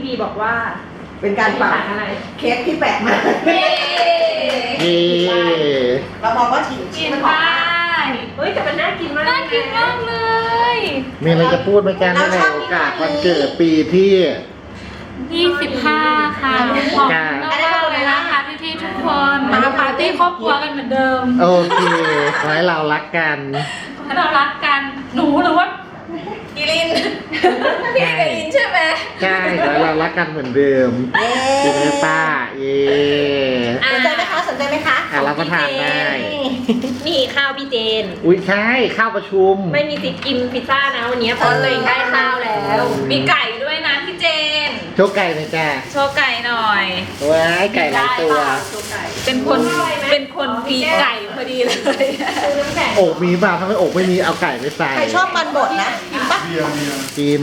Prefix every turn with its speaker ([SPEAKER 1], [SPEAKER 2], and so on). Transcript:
[SPEAKER 1] พีบอกว่า
[SPEAKER 2] เป็นการเป่า
[SPEAKER 1] อธิษฐานอะไร
[SPEAKER 2] เค้กที่แปลกมาก
[SPEAKER 3] นี่
[SPEAKER 2] เรามองว่าชิ้น
[SPEAKER 1] กิน
[SPEAKER 2] มันหอม
[SPEAKER 1] ได้
[SPEAKER 2] มาก
[SPEAKER 1] เฮ้ยแต่มันน่ากินมาก
[SPEAKER 4] น่ากินมากเลย
[SPEAKER 3] มีอะไรจะพูดไหมกันในโอกาสวันเกิดปีที่
[SPEAKER 4] 25 ค่ะขอบคุณมากๆเลยนะคะพี่ๆทุกคนมาปาร์ตี้ครอบครัวกันเหมือนเดิม
[SPEAKER 3] โอเคขอให้เรารักกัน
[SPEAKER 4] ให้เรารักกันหนูหรือว่า
[SPEAKER 1] กิลินพี่กิลินใช่ไหม
[SPEAKER 3] ใช่ขอให้เรารักกันเหมือนเดิม
[SPEAKER 2] เย้
[SPEAKER 3] จริงไหมป้าเย่
[SPEAKER 2] สนใจไหมคะสนใจไหมคะ
[SPEAKER 3] เราก็ทานได้
[SPEAKER 1] นี่ข้าวพี่เจน
[SPEAKER 3] อุ้ยใช่ข้าวประชุม
[SPEAKER 1] ไม่มีสิทธิ์กินพิซซ่านะวันนี้เพราะตัวเองได้ข้าวแล้ว มีไก่ด้วยนะพี่เจน
[SPEAKER 3] โชว์ไก่เลยจ้า
[SPEAKER 4] โชว์ไก่หน่อย
[SPEAKER 3] ว้ายไก่หลายตัว
[SPEAKER 4] เป็นคนมีไก่พอดีเลย
[SPEAKER 3] อกมีป่ะถ้าไม่อกไม่มีเอาไก่ไปใส่
[SPEAKER 2] ใครชอบมันบดนะกินปะ
[SPEAKER 3] กิน